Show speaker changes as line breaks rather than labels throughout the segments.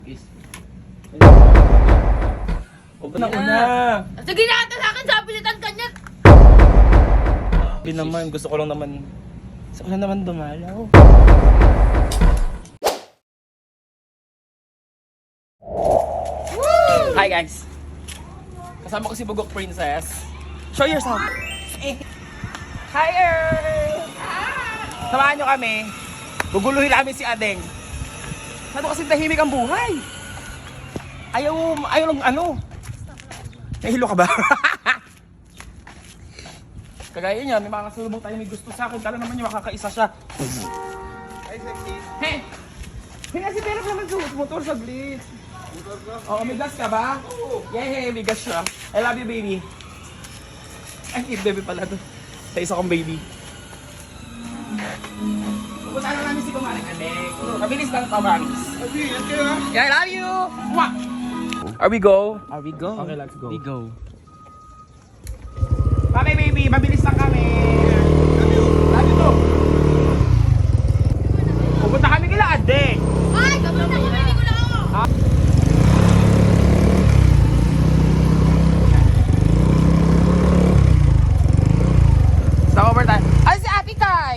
Kiss.
Una.
Sige na ata sa akin, sabi nitan kanya.
Hindi naman, gusto ko lang naman dumalaw. Hi guys! Kasama ko si Bugok Princess. Show yourself! Hi Earth! Samahan nyo kami. Guguluhin namin si Adeng. Saan kasi tahimik ang buhay? Ayaw lang ano. Nahilo ka ba? Kagaya niya, may mga kasulubong tayo may gusto sa akin. Kala naman niya makakaisa siya. Hi, sexy. Hey! Hey, si Philip naman suot motor sa Blitz. Motor ka? Oo, may gas ka ba? Oo. Yeah, may gas siya. I love you, baby. Ay, cute baby pala to. Sa isa kong baby. Pupunta na namin si Kumaring Adeng. Mabilis lang pa, promise. Yeah, I love you! Mwah! Are we go?
Are we go?
Okay, let's go.
We go.
Bye baby, mabilis lang kami. Love you too. Pupunta kami kila Adeng.
Ay, gabi na kami, hindi ko lang ako.
Stop over tayo. Ay, si Ate Kai!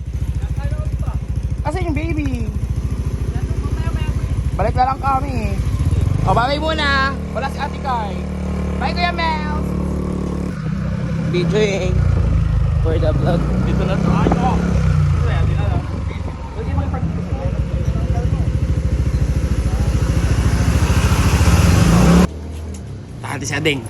Kasi yung baby. Balik na lang kami. O, bye muna. Wala si Ate Kai. Bye, Kuya Mel.
BJing for the vlog.
Dito na tayo. Dito na. Pwede makipag-dito. Tahan si Adeng.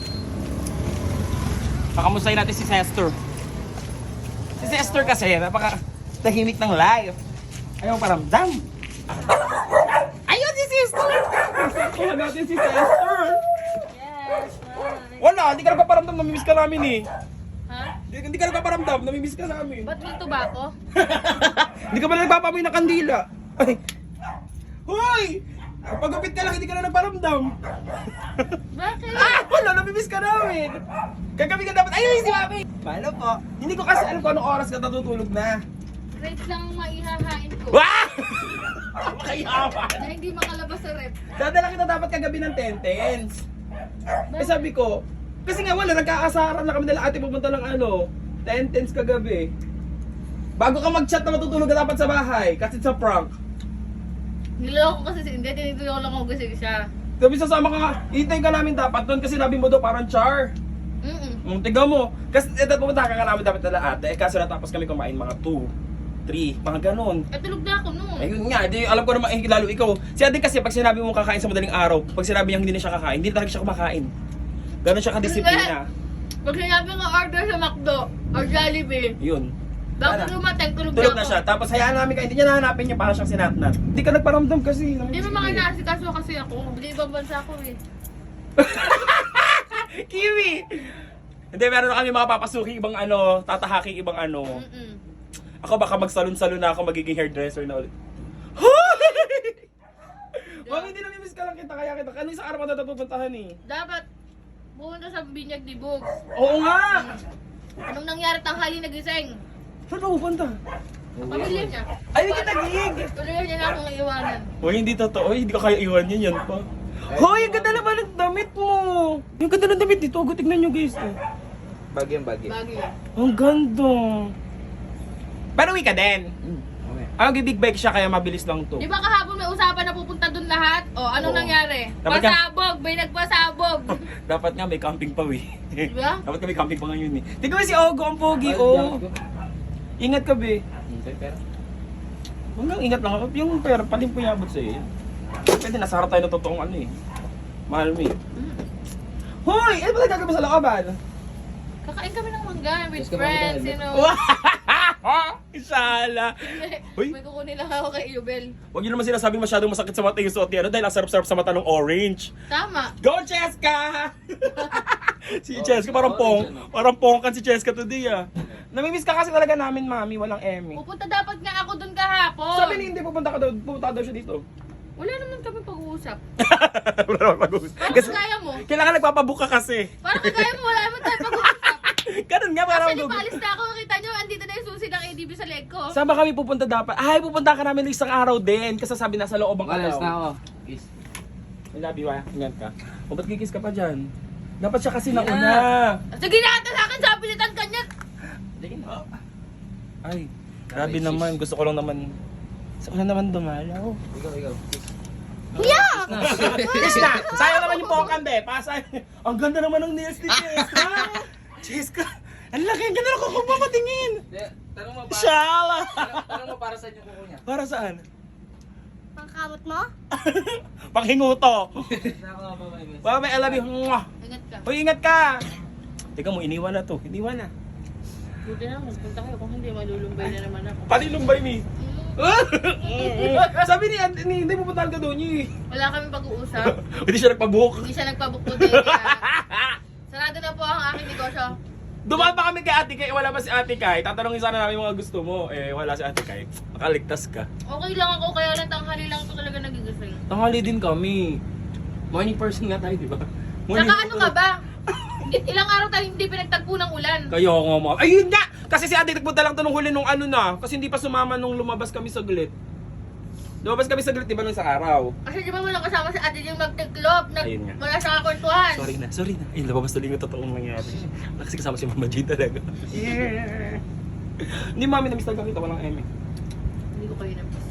Pakamustahin natin si Sester. Si Sester kasi, napaka-tahimik ng life. Ayaw paramdam. Ayun si Sester! Kuha natin si Sester!
Yes,
Wala, hindi ka nagpaparamdam, namimiss ka namin eh.
ha?
Hindi ka nagpaparamdam, namimiss ka namin.
Ba't may tobacco?
Hindi ka ba nagpapamoy ng kandila? Ay. Hoy! Pagupit ka lang, hindi ka na nagparamdam.
Bakit?
Wala, namimiss ka namin. Kagabi ka dapat, ayun si Mami. Paano po? Hindi ko kasi alam kung anong oras ka natutulog na.
Rate lang ang maihahain ko.
Wah! Makayaman.
Na hindi makalabas sa rep.
Dadala kita dapat kagabi ng 10-10s. Eh sabi ko, kasi nga wala, nagkakasaran na kami nila ate pupunta ng 10-10s kagabi. Bago ka mag-chat na matutulog ka dapat sa bahay, kasi sa prank.
Niloko kasi si hindi, tinitulong lang ako kasi siya.
Sabi sasama ka nga, itay ka namin dapat doon kasi sabi mo daw parang char. Tiga mo. Kasi pupunta ka namin dapat nila ate, kaso natapos kami kumain mga 2, 3, mga ganun.
At tulog na ako noon.
Ayun nga, di, alam ko naman lalo ikaw. Si ate kasi pag sinabi mo kakain sa madaling araw, pag sinabi niya hindi na siya kakain, hindi talaga siya kumakain. Ganun siya kadisiplina.
Pag sinabi nga order sa McDo or Jollibee,
Yun.
bago
Sana.
dumating, tulog
Tulog
na
na
ako.
siya. Tapos hayaan namin ka, hindi niya nahanapin niya para siyang sinatnat. Hindi ka nagparamdam kasi.
Hindi mo mga naasikaso kasi ako. Hindi ibang bansa ako eh.
Kiwi! Hindi, meron na kami mga papasuking ibang tatahaking ibang Ako baka magsalon-salon na ako, magiging hairdresser na ulit. Mami, hindi namimiss ka lang kita, kaya kita. Ano isang araw pa na pupuntahan eh?
Dapat pumunta sa binyag ni Bugs.
Oo nga!
Anong nangyari tanghali nagising?
Saan ka pupunta?
Pamilya niya.
Ay, hindi ka nagig!
Tuloy niya na akong iiwanan.
Hoy, hindi totoo. Hoy, hindi ka kaya iwan yan pa. Hoy, ang ganda naman ng damit mo! Yung ganda ng damit dito. Tignan nyo guys.
Bagyo.
Bagyo.
Ang ganda. Pero uwi ka din.
Okay.
Big bike siya kaya mabilis lang to.
Di ba kahapon may usapan na pupunta dun lahat? O, anong
Oo.
nangyari?
Dapat ka-
Pasabog! May nagpasabog!
Dapat nga may camping pa eh.
Di ba?
Dapat nga may camping pa ngayon eh. Tignan mo si Ogo, ang pogi oh. Ingat ka be.
Pero
Huwag lang, ingat lang ako. Yung pera, palim po yabot sa'yo. Pwede nasa harap tayo ng totoong mahal mo eh. Hoy! Ano ba nagkagawa sa looban?
Kakain kami ng mangga with
Just
friends,
kumakain.
you know.
Isala! Hoy!
May kukunin lang ako kay Yubel.
Huwag nyo naman sinasabing masyadong masakit sa mata yung suot niya dahil ang sarap-sarap sa mata ng orange.
Tama.
Go, Cheska! Si Cheska parang pongkan si Cheska today Namimiss ka kasi talaga namin, mami. Walang Emmy.
Pupunta dapat nga ako dun kahapon.
Sabi ni hindi pupunta daw siya dito.
Wala naman kami pag-uusap.
Wala naman pag-uusap.
Parang
Kasi
kagaya mo.
kailangan nagpapabuka kasi.
Parang kagaya mo, wala naman tayo pag-uusap.
Ganun nga, parang
Actually, paalis na ako. Kita nyo, andito na yung susi ng ADB sa leg ko.
Saan ba kami pupunta dapat? Ay, pupunta ka namin isang araw din. Kasi sabi nasa loob ang
Alas
araw.
na ako. Kiss.
I love you, ah. Ingat ka. O, ba't kikis ka pa dyan? Dapat siya kasi
Yeah.
nauna.
Sige na ata sa akin, sabi nitan kanya.
Sige na.
Ay, grabe naman. Gusto ko lang naman dumalaw.
Ikaw.
Yeah!
Kiss na! Sayang naman yung pokan, be. Pasay. Ang ganda naman ng nails ni Cheska. Cheska. Ang laki. Ang ganda ng kuko mo patingin.
Tanong mo para.
Shala.
Tanong mo para sa inyo kuko niya.
Para saan?
Pangkamot mo?
Panghinguto.
Nako, bye.
Baka may I love you. Mwah.
Ingat ka.
Uy, ingat ka. Teka mo, iniwan na to. Iniwan na.
Buti na, magpunta kayo kung hindi malulumbay na naman ako.
Panilumbay mi. Sabi ni hindi pupuntahan ka doon eh.
Wala kaming pag-uusap.
Hindi siya nagpabook.
Hindi siya nagpabook po din. Kaya sarado na po ang aking negosyo.
Dumaan pa kami kay Ate Kai, wala pa si Ate Kai. Tatanungin sana namin yung mga gusto mo. Eh, wala si Ate Kai. Makaligtas ka.
Okay lang ako, kaya lang tanghali lang ito talaga nagigising.
Tanghali din kami. Morning person nga tayo, di ba?
Saka ano ka ba? Ilang araw tayo hindi pinagtagpo ng ulan.
Kayo nga mo. Ayun nga! Kasi si Ate nagpunta lang to nung huli nung ano na. Kasi hindi pa sumama nung lumabas kami saglit. Lumabas kami saglit, di ba nung sa araw?
Kasi di ba walang kasama si ate yung magtiklop,
Ayun nga.
wala siyang kakwentuhan.
Sorry na. Ay, lumabas tuloy yung totoong nangyari. Kasi kasama si Mama G talaga. Hindi mami, na-miss talaga kita, walang eme.
Hindi ko kayo na-miss.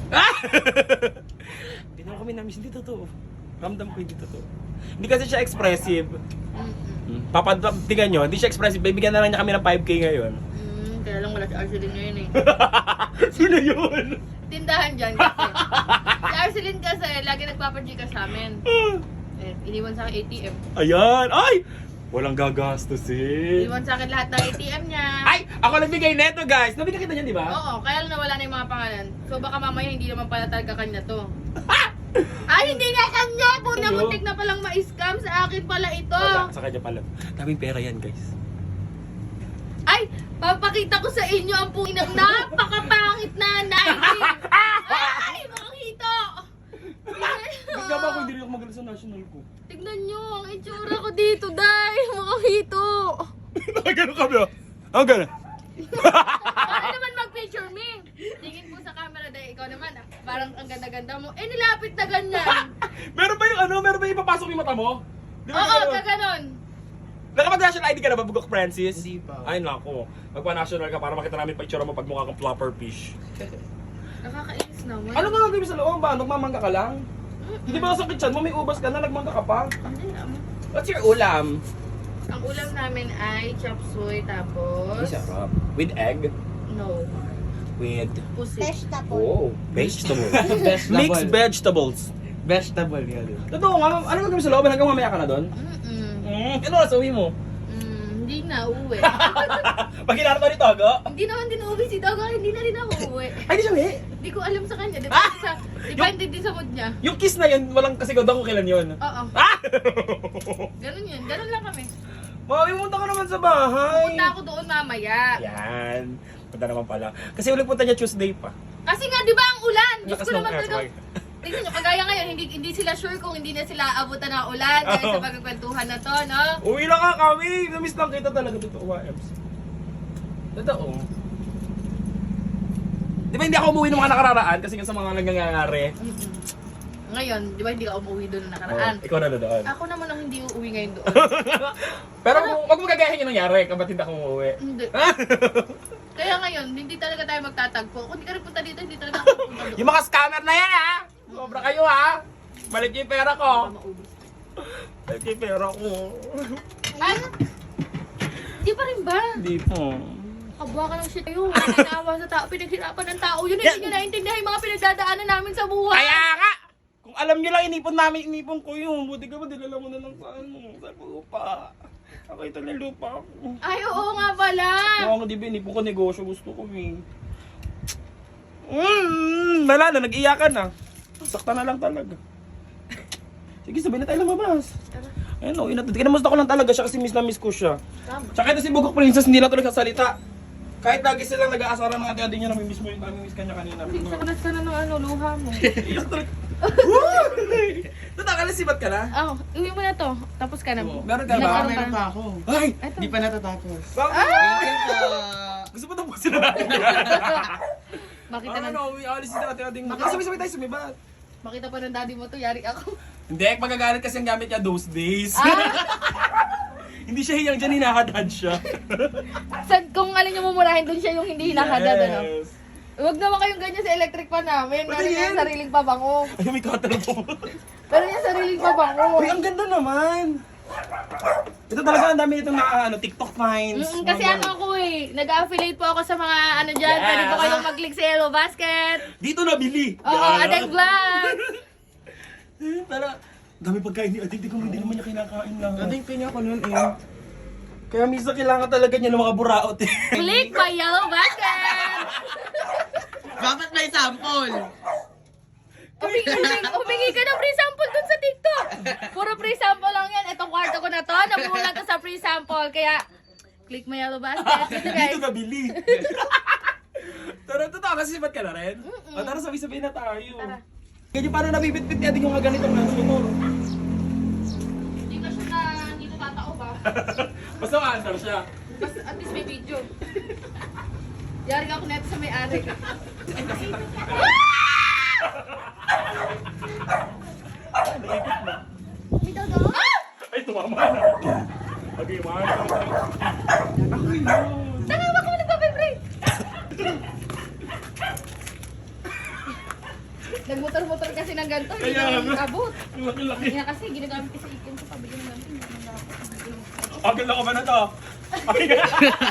Hindi naman kami na-miss, hindi totoo. Ramdam ko hindi totoo. Hindi kasi siya expressive. Tingnan nyo, hindi siya expressive. Bibigyan na lang niya kami ng 5K ngayon.
Kaya lang wala si Arceline ngayon eh.
Sino yun?
Tindahan dyan kasi. Si Arceline kasi lagi nagpapagika sa amin. Eh, iniwan sa akin ATM.
Ayan! Ay! Walang gagastusin.
Iniwan sa akin lahat ng ATM niya.
Ay! Ako nagbigay neto, guys! Nabigyan kita niyan, di ba?
Oo, kaya lang nawala na yung mga pangalan. So baka mamaya hindi naman pala talaga kanya to. Ay, hindi nga kanya! Puna
Ano?
muntik na palang ma-scam sa akin pala ito.
Wala, sa kanya pala. Daming pera yan, guys.
Ay, papakita ko sa inyo ang pungin ng napakapangit na naibig. Ay, mga hito!
Bigla ba ako hindi rin ako magaling sa national ko?
Tignan nyo ang itsura ko dito, day! Mga hito!
Gano'n kami, oh. Ang gano'n.
Para naman mag-picture me. Tingin po sa camera, day. Ikaw naman, parang ang ganda-ganda mo. Eh, nilapit na ganyan.
Meron ba yung ano? Meron ba yung ipapasok yung mata mo? Di ba
Oo,
gano'n?
kaganon.
Nakapag-national ID ka na ba, Bugok Francis?
Hindi pa.
Ay, nako. Magpa-national ka para makita namin picture mo pag mukha kang flopper fish.
Nakakainis naman.
Ano nga gagawin sa loob ba? Nagmamangga ka lang? Hindi ba sa kitchen mo may ubas ka na, nagmangga ka pa?
Hindi naman.
What's your ulam?
Ang ulam namin ay chop suey, tapos...
Sarap. With egg?
No.
With...
Pusit.
Oh, vegetables.
Vegetable.
Mixed vegetables.
Vegetable yun.
Totoo nga, ano gagawin sa loob? Hanggang mamaya ka na doon? Ano oras uwi mo?
Hindi na uuwi.
Pag hinarap ni Togo?
Hindi naman din uuwi si Togo, hindi na rin ako uuwi.
Ay, di siya uwi.
Hindi ko alam sa kanya, depende din sa mood niya.
Yung kiss na yun, walang kasigaw kung kailan yun.
Oo,
Ah!
ganun yun, ganun lang kami.
Mami, pumunta ka naman sa bahay.
Punta ako doon mamaya.
Yan. Punta naman pala. Kasi ulit punta niya Tuesday pa.
Kasi nga, di ba ang ulan? Diyos
Lakas
ko
ng
naman
air,
talaga.
sabay.
Tingnan nyo, kagaya ngayon, hindi sila sure kung hindi na sila abutan ng ulan dahil
Oo.
sa pagkakwentuhan na to, no?
Uwi lang ka kami. Namiss lang kita talaga dito, YMs. Totoo. Di ba hindi ako umuwi ng mga nakararaan kasi nga sa mga nangyayari?
Ngayon, di ba hindi ka umuwi doon na nakaraan?
Ikaw na doon.
Ako naman ang hindi uuwi ngayon doon.
Pero wag mo gagayahin yung nangyari kapag hindi ako umuwi.
Hindi. Kaya ngayon, hindi talaga tayo magtatagpo. Kung hindi ka rin punta dito, hindi talaga ako punta doon.
Yung mga scammer na yan ha! Sobra kayo ha! Balik yung pera ko!
Baka maubos.
Balik yung pera ko.
Ano? Hindi pa rin ba?
Hindi po.
Kabwa ka ng shit kayo. Nanawa sa tao, pinaghirapan ng tao. Yun, hindi nyo naintindihan yung mga pinagdadaanan namin sa buhay.
Kaya nga! Kung alam nyo lang, inipon ko yun. Buti ka ba, dinala mo na lang sa ano, sa lupa. Ako ito na lupa ko.
Ay, oo nga pala.
Oo, di ba, inipon ko negosyo, gusto ko eh. Wala na, nag-iyakan na. Sakta na lang talaga. Sige, sabay na tayo lumabas. Ayun o, kinamusta ko lang talaga siya kasi miss na miss ko siya.
Tama.
Tsaka ito si Bugok Princess, hindi na tuloy sasalita. Kahit lagi silang nag-aasara ng ate-ate niya na may miss mo yung miss kanya kanina.
Saklas ka na ng ano, luha mo.
Iyak talaga. Natakalasibat ka na?
Oh, uwi mo na to. Tapos ka na.
Meron ka ba?
Nagkaroon
Meron pa ako.
Ay!
Eto.
Hindi pa natatapos.
Bakit?
Thank you po.
Gusto mo tapusin na natin.
Bakit
Ano
na?
na, uwi, alis na natin ating... Sabay-sabay tayo sumibat.
Makita pa ng daddy mo to, yari ako.
Hindi, magagalit kasi ang gamit niya those days.
Ah,
Hindi siya hiyang dyan, hinahadad siya.
kung alin yung mumurahin, dun siya yung hindi hinahadad, ano?
Yes.
Huwag naman kayong ganyan sa electric pan namin.
Pwede
Meron
yan.
yung sariling pabango.
Ay, may cutter po.
Meron yung sariling pabango.
Uy, ang ganda naman. Ito talaga, ang dami nitong TikTok finds.
Kasi ano ako eh, nag-affiliate po ako sa mga ano dyan.
Yes.
Pwede po kayong mag-click sa Yellow Basket.
Dito nabili.
Oo, Adeng Vlog.
Tara, dami pagkain ni Ading. Hindi naman niya kinakain lang. Ading, kanya ko nun eh. Kaya minsan kailangan talaga niya ng mga buraot eh.
Click my Yellow Basket.
Dapat may sample.
Humingi ka ng free sample dun sa TikTok. Puro free sample lang yan. Itong kwarto ko na to, nabulan to sa free sample. Kaya, click my Yellow Basket. Ito guys.
Dito nabili. Tara, totoo kasi sipat ka na rin. O, tara, sabi-sabihin na tayo.
Tara.
Kaya paano nabibit-bit ni Ading yung mga ganitong nasa mo?
Hindi ka siya na, hindi na tatao ba?
Basta ma-answer siya.
Basta at least may video. Yari ako neto sa may-ari.
Naipit na.
May daga?
Ay, tumama na. Okay, ma-answer. Ako yun.
Tanga, baka mo nagpa-vibrate. Nagmotor-motor kasi ng ganito, hindi
Kaya
naman
nga.
abot.
Laki-laki.
Kaya kasi ginagamit ko sa ikin sa pabigyan ng ganito.
Okay lang ko ba na to? Okay ka?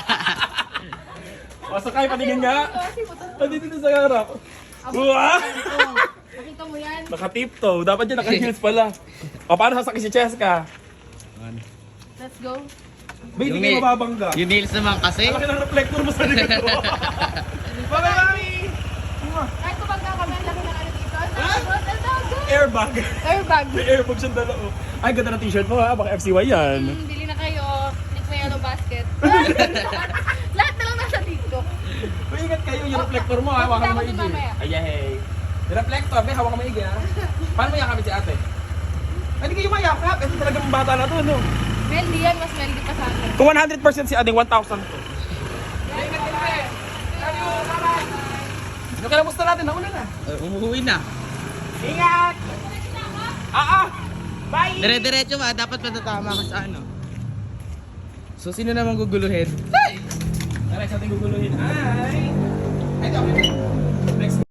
O, sakay, patingin nga.
Kasi motor.
Nandito na sa harap. Wow!
Makita mo yan.
Naka-tiptoe. Dapat yan naka-heels pala. O, paano sasakay si Cheska?
Let's go.
Ba, hindi kayo mababangga.
Yung nails naman kasi.
Laki ng reflector mo sa dito. Bye-bye, mami!
Kahit kapag kami, ang laki ng ano dito. Ang dagot, ang dagot.
Airbag.
Airbag.
May airbag siyang dala. Oh. Ay, ganda ng t-shirt mo ha. Baka FCY yan.
Bili na kayo. Click mo Yellow Basket. Lahat na lang nasa TikTok.
Uy, ingat kayo. Yung reflector mo ha. Hawakan mo
Tapos
maigi.
mamaya.
Ay, hey. Yung reflector, may hawakan mo maigi ha. Paano mo yakapin si ate? Ay, hindi kayo mayakap. Ito talagang bata na to, no?
Meldy yan, mas meldy pa sa akin.
Kung 100% si Ading, 1,000 to. Yung kalamusta natin, nauna na.
Umuwi na.
Ingat! Bye!
Dire-diretso ba? Dapat patatama ka sa ano. So, sino naman guguluhin?
Tara, sa ating guguluhin. Ay! Ito, next.